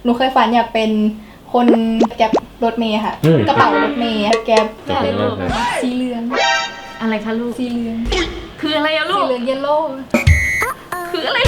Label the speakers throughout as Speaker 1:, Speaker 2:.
Speaker 1: นูเคยฝันอยากเป็นคนแก๊ปรถเมย์ค่ะกระเป๋ารถเมย์แก๊ปสีเหลือง
Speaker 2: อะไรคะลูก
Speaker 1: สีเหลือง
Speaker 2: คืออะไรอะลูก
Speaker 1: สีเหลืองเยลโล่
Speaker 2: คืออะไร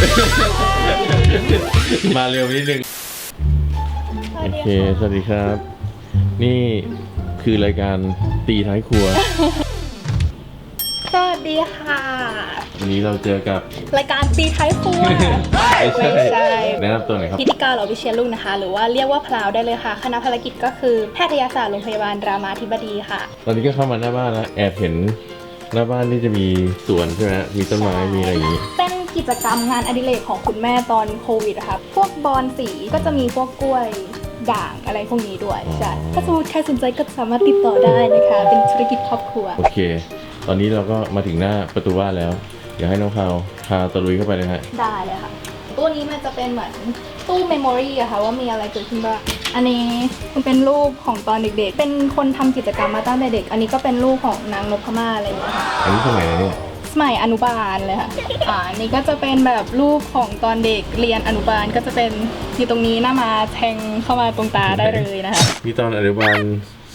Speaker 3: มาเร็วนิดนึงโอเคสวัสดีครับ นี่คือรายการตีท้ายครัว
Speaker 1: สวัสดีค่ะ
Speaker 3: วันนี้เราเจอกับ
Speaker 1: รายการตีท้ายครัว
Speaker 3: ไม่ใช่แนะนำตัวหน่อยครับ
Speaker 1: พิธีการเหล่าวิเชียรลุงนะคะหรือว่าเรียกว่าพราวได้เลยค่ะคณะภารกิจก็คือแพทยศาสตร์โรงพยาบาลรามาธิบดีค่ะ
Speaker 3: ตอนนี้ก็เข้ามาหน้าบ้านแล้วแอบเห็นหน้าบ้านนี่จะมีสวนใช่ไหมมีต้นไม้มีอะไรอย่างนี้
Speaker 1: เป็นกิจกรรมงานอดิเรกของคุณแม่ตอนโควิดค่ะพวกบอนสีก็จะมีพวกกล้วยด่างอะไรพวกนี้ด้วยใช่ถ้าสมมติใครสนใจก็สามารถติดต่อได้นะคะเป็นธุรกิจครอบครัว
Speaker 3: โอเคตอนนี้เราก็มาถึงหน้าประตูบ้านแล้วเดี๋ยวให้น้องพาวพาตะลุยเข้าไปเลยฮะ
Speaker 1: ได้เลยค่ะตู้นี้มันจะเป็นเหมือนตู้เมมโมรี่อะค่ะว่ามีอะไรเกิดขึ้นบ้างอันนี้มันเป็นรูปของตอนเด็กๆเป็นคนทำกิจกรรมมาตั้งแต่เด็กอันนี้ก็เป็นรูปของนางนพมาศอะไรอย่างเงี้ยค่ะ
Speaker 3: อันนี้สมัยไหนเนี่ย
Speaker 1: สมัยอนุบาลเลยค่ะอันนี้ก็จะเป็นแบบรูปของตอนเด็กเรียนอนุบาลก็จะเป็นอยู่ตรงนี้หน้ามาแทงเข้ามาตรงตาได้เลยนะคะ
Speaker 3: มีตอนอนุบาล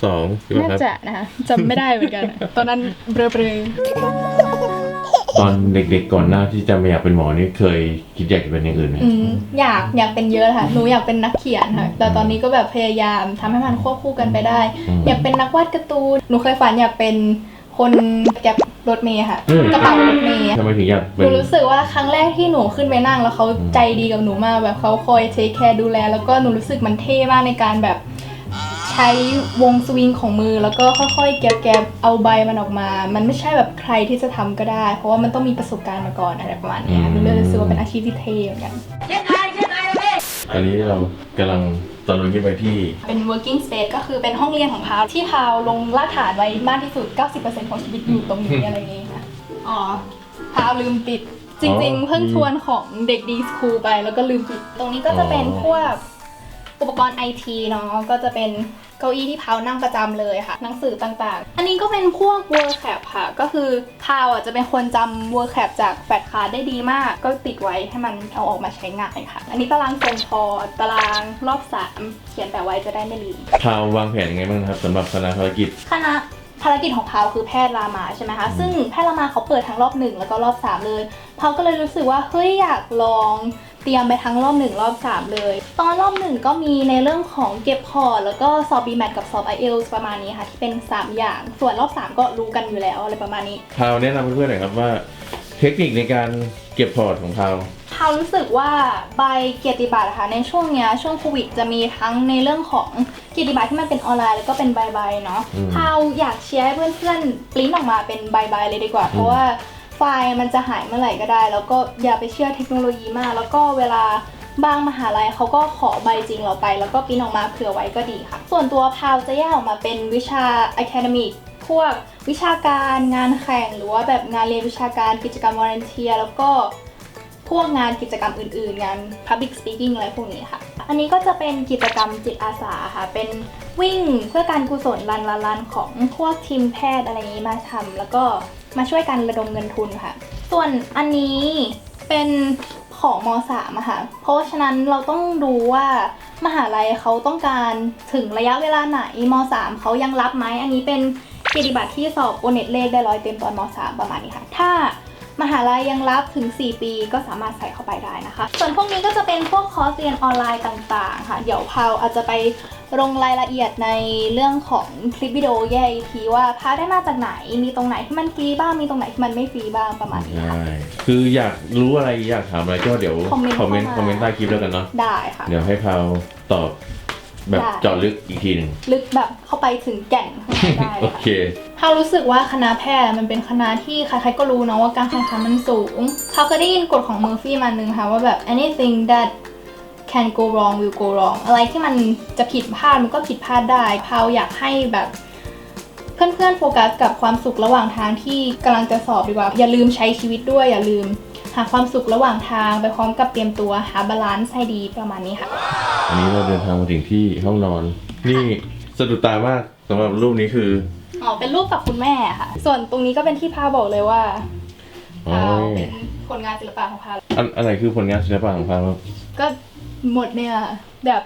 Speaker 3: 2
Speaker 1: น่าจะนะคะจำไม่ได้เหมือนกันตอนนั้นเบลอ
Speaker 3: ตอนเด็กๆก่อนหน้าที่จะไม่อยากเป็นหมอนี่เคยคิดอยากจะเป็นอย่างอื่นไหม
Speaker 1: อยากเป็นเยอะค่ะหนูอยากเป็นนักเขียนค่ะแต่ตอนนี้ก็แบบพยายามทำให้มันควบคู่กันไปได้อยากเป็นนักวาดการ์ตูนหนูเคยฝันอยากเป็นคนแก๊ปรถเมย์ค่ะกระเป๋ารถเมย์
Speaker 3: ทำไมถึงอยาก
Speaker 1: หนูรู้สึกว่าครั้งแรกที่หนูขึ้นไปนั่งแล้วเขาใจดีกับหนูมากแบบเขาคอยเทคแคร์ดูแลแล้วก็หนูรู้สึกมันเท่มากในการแบบใช้วงสวิงของมือแล้วก็ค่อยๆแกบเอาใบมันออกมามันไม่ใช่แบบใครที่จะทำก็ได้เพราะว่ามันต้องมีประสบการณ์มาก่อนอะไรประมาณนี้หนูเลยรู้สึกว่าเป็นอาชีพที่เท่เหมือนกัน
Speaker 3: ตอนนี้เรากำลังตอนลงขึ้นไปที่
Speaker 1: เป็น working space ก็คือเป็นห้องเรียนของพาวที่พาวลงรากฐานไว้มากที่สุด 90% ของชีวิตอยู่ตรงนี้อะไรอย่างนี้ค่ะพาวลืมปิดจริงๆเพิ่งทวนของเด็กดีสคูลไปแล้วก็ลืมปิดตรงนี้ก็จะเป็นพวกอุปกรณ์ IT เนาะก็จะเป็นเก้าอี้ที่พาวนั่งประจำเลยค่ะหนังสือต่างๆอันนี้ก็เป็นพวก word cap ค่ะก็คือพาวจะเป็นคนจำ word cap จากแฟลชการ์ดได้ดีมากก็ติดไว้ให้มันเอาออกมาใช้งานค่ะอันนี้ตารางทรงพอตารางรอบ3เขียนแปะไว้จะได้ไม่ลืม
Speaker 3: พาววางแผนยังไงบ้างครับสำหรับคณะภารกิจ
Speaker 1: ภารกิจของพาวคือแพทย์รามาใช่ไหมคะซึ่งแพทย์รามาเขาเปิดทั้งรอบ1แล้วก็รอบ3เลยพาวก็เลยรู้สึกว่าเฮ้ยอยากลองเตรียมไปทั้งรอบ1รอบ3เลยตอนรอบ1ก็มีในเรื่องของเก็บพอร์ตแล้วก็สอบ BMAT กับสอบ IELTS ประมาณนี้ค่ะที่เป็น3อย่างส่วนรอบ3ก็รู้กันอยู่แล้วอะไรประมาณนี้
Speaker 3: พาวแนะนำเพื่อนๆหน่อยครับว่าเทคนิคในการเก็บพอร์ตของพาว
Speaker 1: รู้สึกว่าใบเกียรติบัตรค่ะในช่วงโควิดจะมีทั้งในเรื่องของเกียรติบัตรที่มันเป็นออนไลน์แล้วก็เป็นใบเนาะอยากเชียร์ให้เพื่อนๆปริ้นออกมาเป็นใบเลยดีกว่าเพราะว่าไฟล์มันจะหายเมื่อไหร่ก็ได้แล้วก็อย่าไปเชื่อเทคโนโลยีมากแล้วก็เวลาบางมหาลัยเขาก็ขอใบจริงเราไปแล้วก็ปริ้นออกมาเผื่อไว้ก็ดีค่ะส่วนตัวพาวจะแยกออกมาเป็นวิชา academic พวกวิชาการงานแข่งหรือว่าแบบงานเรียนวิชาการกิจกรรม volunteer แล้วก็พวกงานกิจกรรมอื่นๆงาน public speaking อะไรพวกนี้ค่ะอันนี้ก็จะเป็นกิจกรรมจิตอาสาค่ะเป็นวิ่งเพื่อการกุศลรันของพวกทีมแพทย์อะไรอย่างนี้มาทำแล้วก็มาช่วยกันระดมเงินทุนค่ะส่วนอันนี้เป็นของม.3 อะค่ะเพราะฉะนั้นเราต้องดูว่ามหาลัยเขาต้องการถึงระยะเวลาไหนม.3 เขายังรับไหมอันนี้เป็นเกียรติบัตรที่สอบโอเน็ตเลขได้100เต็มตอนม.3 ประมาณนี้ค่ะถ้ามหาลัยยังรับถึง4ปีก็สามารถใส่เข้าไปได้นะคะส่วนพวกนี้ก็จะเป็นพวกคอร์สเรียนออนไลน์ต่างๆค่ะเดี๋ยวพาวอาจจะไปลงรายละเอียดในเรื่องของคลิปวิดีโอแยกอีกทีว่าพาได้มาจากไหนมีตรงไหนที่มันฟรีบ้างมีตรงไหนที่มันไม่ฟรีบ้างประมาณนี้ค่ะ
Speaker 3: คืออยากรู้อะไรอยากถามอะไรก็เดี๋ยวคอมเมนต์ใต้คลิปแล้วกันเนาะ
Speaker 1: ได้ค่ะ
Speaker 3: เดี๋ยวให้พาวตอบแบบเจาะลึกอีกทีหนึ่ง
Speaker 1: ลึกแบบเข้าไปถึงแก่นได้
Speaker 3: โอเค
Speaker 1: เขารู้สึกว่าคณะแพทย์มันเป็นคณะที่ใครๆก็รู้เนาะว่าการแข่งขันมันสูงเขาเคยได้ยินกฎของเมอร์ฟี่มาหนึ่งค่ะว่าแบบ anything that can go wrong will go wrong อะไรที่มันจะผิดพลาดมันก็ผิดพลาดได้พาวอยากให้แบบเพื่อนๆโฟกัสกับความสุขระหว่างทางที่กำลังจะสอบดีกว่าอย่าลืมใช้ชีวิตด้วยอย่าลืมหาความสุขระหว่างทางไปพร้อมกับเตรียมตัวหาบาลานซ์ให้ดีประมาณนี้ค่ะ
Speaker 3: อันนี้เราเดินทางมาถึงที่ห้องนอนนี่สะดุดตามากสำหรับรูปนี้คือ
Speaker 1: เป็นรูปกับคุณแม่ค่ะส่วนตรงนี้ก็เป็นที่พาวบอกเลยว่าพาวเป็นผลงานศิลปะของพาว
Speaker 3: อะไรคือผลงานศิลปะของพาว
Speaker 1: ก็หมดเนี่ยแบบ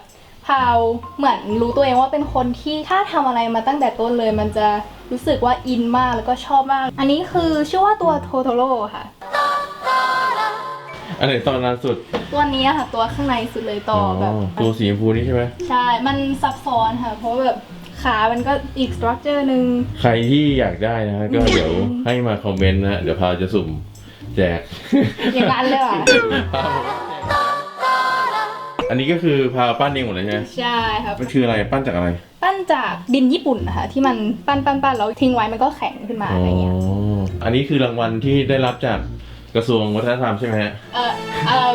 Speaker 1: พาวเหมือนรู้ตัวเองว่าเป็นคนที่ถ้าทำอะไรมาตั้งแต่ต้นเลยมันจะรู้สึกว่าอินมากแล้วก็ชอบมากอันนี้คือชื่อว่าตัวโทโทโร่ค่ะ
Speaker 3: อันไหนตอนล่าสุด
Speaker 1: ตัวนี้ค่ะตัวข้างในสุดเลยต่อแบบ
Speaker 3: ตัวสีชมพูนี่ใช่ไหม
Speaker 1: ใช่มันซับซ้อนค่ะเพราะแบบขามันก็อีกสตรัคเจอร์หนึ่ง
Speaker 3: ใครที่อยากได้นะก็เดี๋ยวให้มาคอมเมนต์นะเดี๋ยวพาจะสุ่มแจก
Speaker 1: อย่างนั้นเลยอ่ะ
Speaker 3: อันนี้ก็คือพาปั้นเองหมดเลยใช่ไหม
Speaker 1: ใช่ครับ
Speaker 3: มันคืออะไรปั้นจากอะไร
Speaker 1: ปั้นจากดินญี่ปุ่นนะคะที่มันปั้นแล้วทิ้งไว้มันก็แข็งขึ้นมาอะไรเงี้ย
Speaker 3: อันนี้คือรางวัลที่ได้รับจากกระทรวงวัฒนธรรมใช่ไหมฮะ
Speaker 1: เออ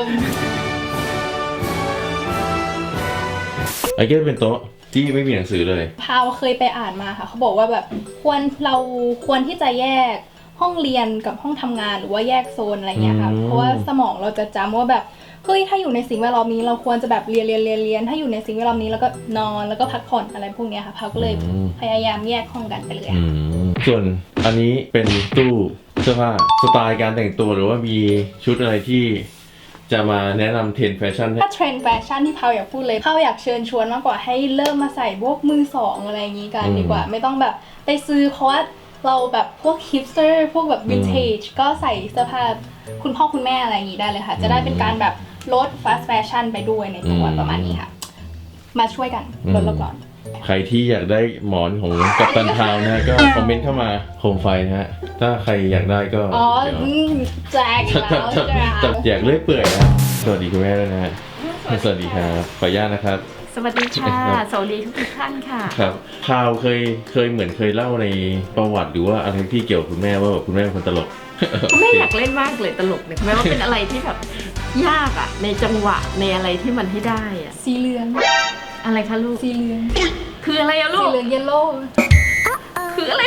Speaker 3: ไอ้ก็เป็นโต๊ะที่ไม่มีหนังสือเลย
Speaker 1: พาวเคยไปอ่านมาค่ะเขาบอกว่าแบบเราควรที่จะแยกห้องเรียนกับห้องทำงานหรือว่าแยกโซนอะไรเงี้ยค่ะเพราะว่าสมองเราจะจำว่าแบบเฮ้ยถ้าอยู่ในสิ่งแวดล้อมนี้เราควรจะแบบเรียนถ้าอยู่ในสิ่งแวดล้อมนี้แล้วก็นอนแล้วก็พักผ่อนอะไรพวกเนี้ยค่ะพาวก็เลยพยายามแยกห้องกันไปเลยค่ะ
Speaker 3: ส่วนอันนี้เป็นตู้เสื้อผ้าสไตล์การแต่งตัวหรือว่ามีชุดอะไรที่จะมาแนะนำเทรนด์แฟชั่นให้
Speaker 1: ถ้าเทรนด์แฟชั่นที่พาวอยากพูดเลยพาวอยากเชิญชวนมากกว่าให้เริ่มมาใส่พวกมือสองอะไรอย่างนี้กันดีกว่าไม่ต้องแบบไปซื้อเพราะว่าเราแบบพวกฮิปสเตอร์พวกแบบวินเทจก็ใส่เสื้อผ้าคุณพ่อคุณแม่อะไรอย่างนี้ได้เลยค่ะจะได้เป็นการแบบลดฟาสต์แฟชั่นไปด้วยในตัวประมาณนี้ค่ะมาช่วยกันลดโลกร้อน
Speaker 3: ใครที่อยากได้หมอนของกัปตันทาวน์นะฮะก็คอมเมนต์เข้ามาโคมไฟนะฮะถ้าใครอยากได้ก็
Speaker 1: อ๋อ
Speaker 3: เดี๋ยว
Speaker 1: แจกแล้ว
Speaker 3: จับแจกเรื่อยเปื่อยนะสวัสดีคุณแม่ด้วยนะฮะสวัสดีครับขออนุญาตนะครับ
Speaker 2: สวัสดีค่ะ สวัสดีทุกท่านค่ะ
Speaker 3: ครับพาวเคยเหมือนเคยเล่าในประวัติหรือว่าอะไรที่เกี่ยวกับคุณแม่ว่าแบบคุณแม่เป็นคนตลก
Speaker 2: คุณแม่อยากเล่นมากเลยตลกเนี่ยคุณแม่ว่าเป็นอะไรที่แบบยากอะในจังหวะในอะไรที่มันให้ได้อะ
Speaker 1: สีเหลือง
Speaker 2: อะไรคะลูก
Speaker 1: สีเหลือง
Speaker 2: คืออะไรอะลู
Speaker 1: สี
Speaker 2: ก
Speaker 1: เหลืองเยลโล่
Speaker 2: คืออะไร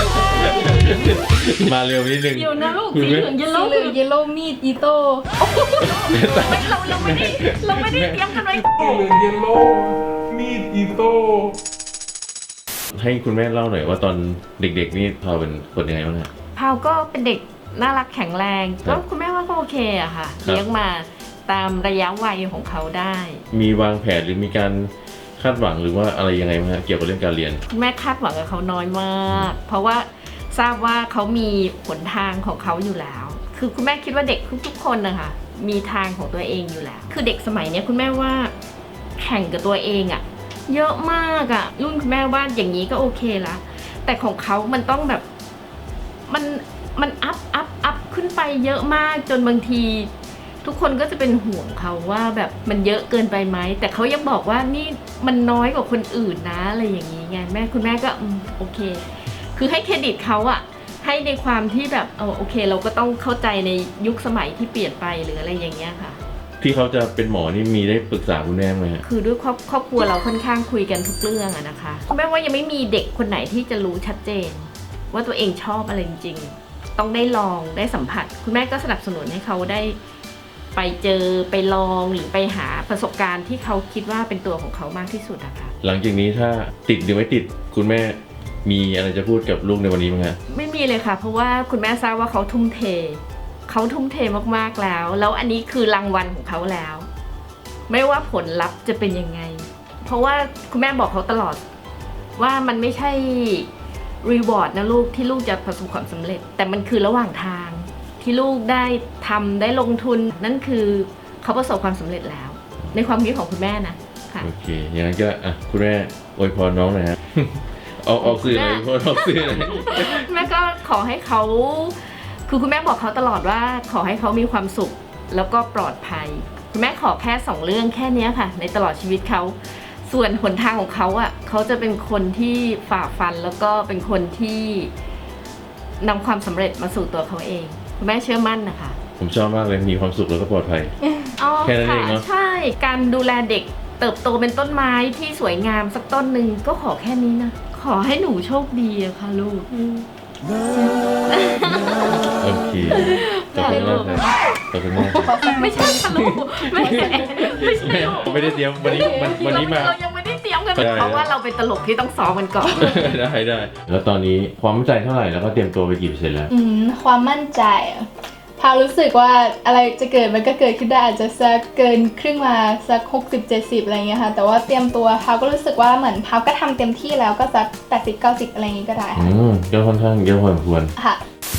Speaker 3: มาเร็วนิดนึง
Speaker 2: เดี๋ยวนะลูกสีเหลืองเยล
Speaker 1: สี
Speaker 2: โล่
Speaker 1: เหลืองเยลโล่มีดอีโต้
Speaker 2: เราไม่ได้เตรียมกันไว้
Speaker 4: เยลโล่มีดอีโต้
Speaker 3: ให้คุณแม่เล่าหน่อยว่าตอนเด็กๆนี่พาวเป็นคนยังไงบ้างฮะ
Speaker 2: พาวก็เป็นเด็กน่ารักแข็งแรง
Speaker 3: ครั
Speaker 2: ก็
Speaker 3: บ
Speaker 2: คุณแม่ว่าก็โอเคอะค่ะ
Speaker 3: ครับ
Speaker 2: เลี้ยงมาตามระยะวัยของเขาได้
Speaker 3: มีวางแผนหรือมีการคาดหวังหรือว่าอะไรยังไงไหมฮะเกี่ยวกับเรื่องการเรียน
Speaker 2: คุณแม่คาดหวังกับเขาน้อยมาก เพราะว่าทราบว่าเขามีหนทางของเขาอยู่แล้ว คือคุณแม่คิดว่าเด็กทุกๆคนนะคะมีทางของตัวเองอยู่แล้ว คือเด็กสมัยเนี้ยคุณแม่ว่าแข่งกับตัวเองอะเยอะมากอะรุ่นคุณแม่ว่าอย่างนี้ก็โอเคละแต่ของเขามันต้องแบบมันอัพขึ้นไปเยอะมากจนบางที ทุกคนก็จะเป็นห่วงเขาว่าแบบมันเยอะเกินไปไหมแต่เขายังบอกว่านี่มันน้อยกว่าคนอื่นนะอะไรอย่างนี้ไงคุณแม่ก็โอเค คือให้เครดิตเขาอะให้ในความที่แบบโอเค เราก็ต้องเข้าใจในยุคสมัยที่เปลี่ยนไปหรืออะไรอย่างเงี้ยค่ะ
Speaker 3: ที่เขาจะเป็นหมอนี่มีได้ปรึกษาคุณแม่ไหมฮะ
Speaker 2: คือด้วยครอบครัวเราค่อนข้างคุยกันทุกเรื่องอะนะคะแม้ว่ายังไม่มีเด็กคนไหนที่จะรู้ชัดเจน ว่าตัวเองชอบอะไรจริงๆต้องได้ลองได้สัมผัส คุณแม่ก็สนับสนุนให้เขาได้ไปเจอไปลองหรือไปหาประสบการณ์ที่เขาคิดว่าเป็นตัวของเขามากที่สุดอะค่ะ
Speaker 3: หลังจากนี้ถ้าติดหรือไม่ติดคุณแม่มีอะไรจะพูดกับลูกในวันนี้ไหมฮะ
Speaker 2: ไม่มีเลยค่ะ เพราะว่าคุณแม่ทราบว่าเขาทุ่มเทมากๆแล้วอันนี้คือรางวัลของเขาแล้ว ไม่ว่าผลลัพธ์จะเป็นยังไง เพราะว่าคุณแม่บอกเขาตลอดว่ามันไม่ใช่รีวอร์ดนะลูกที่ลูกจะประสบความสำเร็จ แต่มันคือระหว่างทางที่ลูกได้ทำได้ลงทุนนั่นคือเขาประสบความสำเร็จแล้ว ในความคิดของคุณแม่นะค่ะ
Speaker 3: โอเคอย่างนั้นก็คุณแม่อวยพรน้องหน่อยฮะ ออกสื่อหน่อยออกสื่อหน่อย
Speaker 2: แม่ก็ขอให้เขาคือคุณแม่บอกเขาตลอดว่าขอให้เขามีความสุขแล้วก็ปลอดภัยคุณแม่ขอแค่2เรื่องแค่นี้ค่ะในตลอดชีวิตเขาส่วนหนทางของเขาอ่ะเขาจะเป็นคนที่ฝ่าฟันแล้วก็เป็นคนที่นำความสำเร็จมาสู่ตัวเขาเองคุณแม่เชื่อมั่นนะคะ
Speaker 3: ผมชอบมากเลยมีความสุขแล้วก็ปลอดภัย
Speaker 2: อ๋อ
Speaker 3: แค่นั้นเองเนอะ
Speaker 2: ใช่การดูแลเด็กเติบโตเป็นต้นไม้ที่สวยงามสักต้นหนึ่งก็ขอแค่นี้นะขอให้หนูโชคดีอะค่ะลูก
Speaker 3: โอเคขอบคุณมากครับขอบคุณมากครับ
Speaker 2: ไม่ใช่ค่ะลูกไม่ใช่ลูก
Speaker 3: ไม่ได้เตรียมวันนี้มา
Speaker 2: เรายังไม่ได้เตรียมกัน
Speaker 3: ได้
Speaker 2: เพราะว่าเราเป็นตลกที่ต้องซ้อมกันก่อน
Speaker 3: ได้แล้วตอนนี้ความมั่นใจเท่าไหร่แล้วก็เตรียมตัวไปกี่เปอร์เซ็นต์แล้ว
Speaker 1: ความมั่นใจอะพพาวรู้สึกว่าอะไรจะเกิดมันก็เกิดขึ้นได้อาจจะสักเกินครึ่งมาสัก60-70อะไรเงี้ยค่ะแต่ว่าเตรียมตัวพาวก็รู้สึกว่าเหมือนพาวก็ทำเต็มที่แล้วก็สัก80-90อะไรอย่างงี้ก็ได้ค่ะ
Speaker 3: ก็ค่อนข้างเยอะพอสมควร
Speaker 1: ค่ะ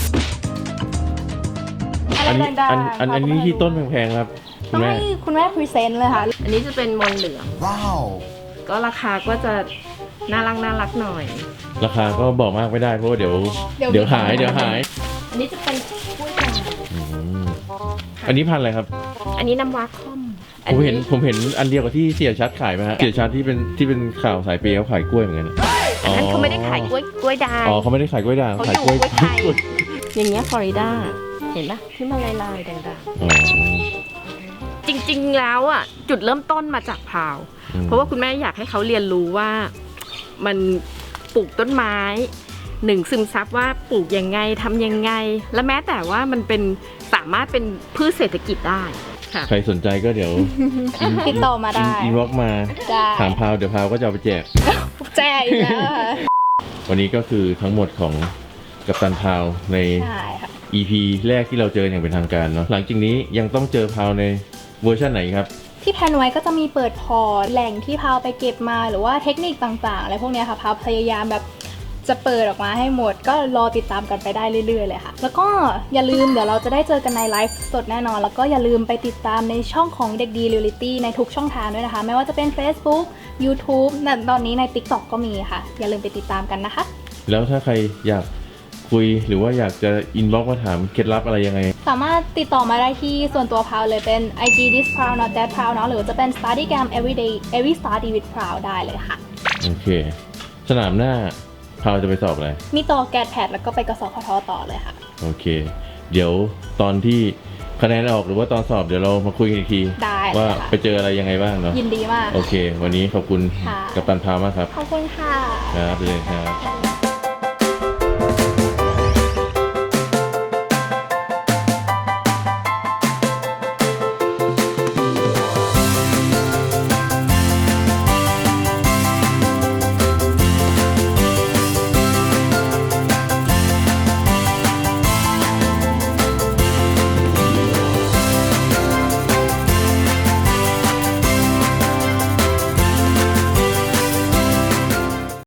Speaker 3: อันนี้
Speaker 1: ดังๆ
Speaker 3: อันนี้ที่ต้นแพงๆครับคุ
Speaker 1: ต้
Speaker 3: ณ
Speaker 1: อง
Speaker 3: แม่
Speaker 1: ให้คุณแม่พรีเซนต์เลยค่ะ
Speaker 2: อันนี้จะเป็นมนเหลือง
Speaker 5: ว้าว
Speaker 2: ก็ราคาก็จะน่ารักหน่อย
Speaker 3: ราคาก็บอกมากไม่ได้เพราะว่าเดี๋ยว
Speaker 1: เดี๋ยว
Speaker 3: หาย
Speaker 2: อันนี้จะเป็นกล้วยด่าง
Speaker 3: อืมอันนี้พันธุ์อะไรครับ
Speaker 2: อันนี้น้ำว้าค่อม
Speaker 3: ผมเห็นอันเดียวกับที่เสียชัดขายไหมฮะเสียชัดที่เป็นข่าวสายเปย์เขาขายกล้วยเหมือนกัน
Speaker 2: อันนั้นเขาไม่ได้ขายกล้วยด่าง
Speaker 3: อ๋อเขาไม่ได้ขายกล้วยด่าง
Speaker 2: เขา
Speaker 3: ขาย
Speaker 2: อยู่
Speaker 3: กล้วย
Speaker 2: กล้วยไทย อย่างเงี้ยฟลอริดาเห็นปะที่มันลายๆด่าง
Speaker 3: อ๋อ
Speaker 2: ๆจริงๆแล้วอ่ะจุดเริ่มต้นมาจากพราว
Speaker 3: อืม
Speaker 2: เพราะว่าคุณแม่อยากให้เขาเรียนรู้ว่ามันปลูกต้นไม้หนึ่งซึมซับว่าปลูกยังไงทำยังไง และแม้แต่ว่ามันเป็นสามารถเป็นพืชเศรษฐกิจได้ค่ะ
Speaker 3: ใครสนใจก็เดี๋ยว
Speaker 1: ติดต่อมาได้
Speaker 3: อินบ็อกมา
Speaker 1: ได้
Speaker 3: ถามพาวเดี๋ยวพาวก็จะเอาไปแจก
Speaker 1: แจ้อีกแล้วค่ะ
Speaker 3: วันนี้ก็คือทั้งหมดของกัปตันพาวใน
Speaker 1: ใช่ค่ะ
Speaker 3: EP แรกที่เราเจออย่างเป็นทางการเนาะหลังจากนี้ยังต้องเจอพาวในเวอร์ชันไหนครับ
Speaker 1: ที่แพลนไว้ก็จะมีเปิดพอร์ตแหล่งที่พาวไปเก็บมาหรือว่าเทคนิคต่างๆอะไรพวกเนี้ยค่ะพาวพยายามแบบจะเปิดออกมาให้หมด ก็รอติดตามกันไปได้เรื่อยๆเลยค่ะ แล้วก็อย่าลืมเดี๋ยวเราจะได้เจอกันในไลฟ์สดแน่นอน แล้วก็อย่าลืมไปติดตามในช่องของเด็กดีเรียลลิตี้ในทุกช่องทางด้วยนะคะ ไม่ว่าจะเป็น Facebook YouTube และตอนนี้ใน TikTok ก็มีค่ะ อย่าลืมไปติดตามกันนะคะ
Speaker 3: แล้วถ้าใครอยากคุยหรือว่าอยากจะอินบ็อกมาถามเคล็ดลับอะไรยังไง
Speaker 1: สามารถติดต่อมาได้ที่ส่วนตัวพาวเลยเป็น IG this proud not that proud เนาะหรือจะเป็น Studygram everyday every study with proud ได้เลยค่ะ
Speaker 3: โอเค สนามหน้าพาวจะไปสอบอะไร
Speaker 1: มีต่อแกดแพดแล้วก็ไปกสพทต่อเลยค่ะ
Speaker 3: โอเค เดี๋ยวตอนที่คะแนนออกหรือว่าตอนสอบเดี๋ยวเรามาคุยกันอีกที
Speaker 1: ได้เลย
Speaker 3: ว่า
Speaker 1: ค่ะ
Speaker 3: ไปเจออะไรยังไงบ้างเนาะ
Speaker 1: ยินดีมาก
Speaker 3: โอเค วันนี้ขอบคุณ
Speaker 1: ค่ะ
Speaker 3: กัปตันพาวมากครับ
Speaker 1: ขอบคุณค่ะ
Speaker 3: ครับไปเลยครับ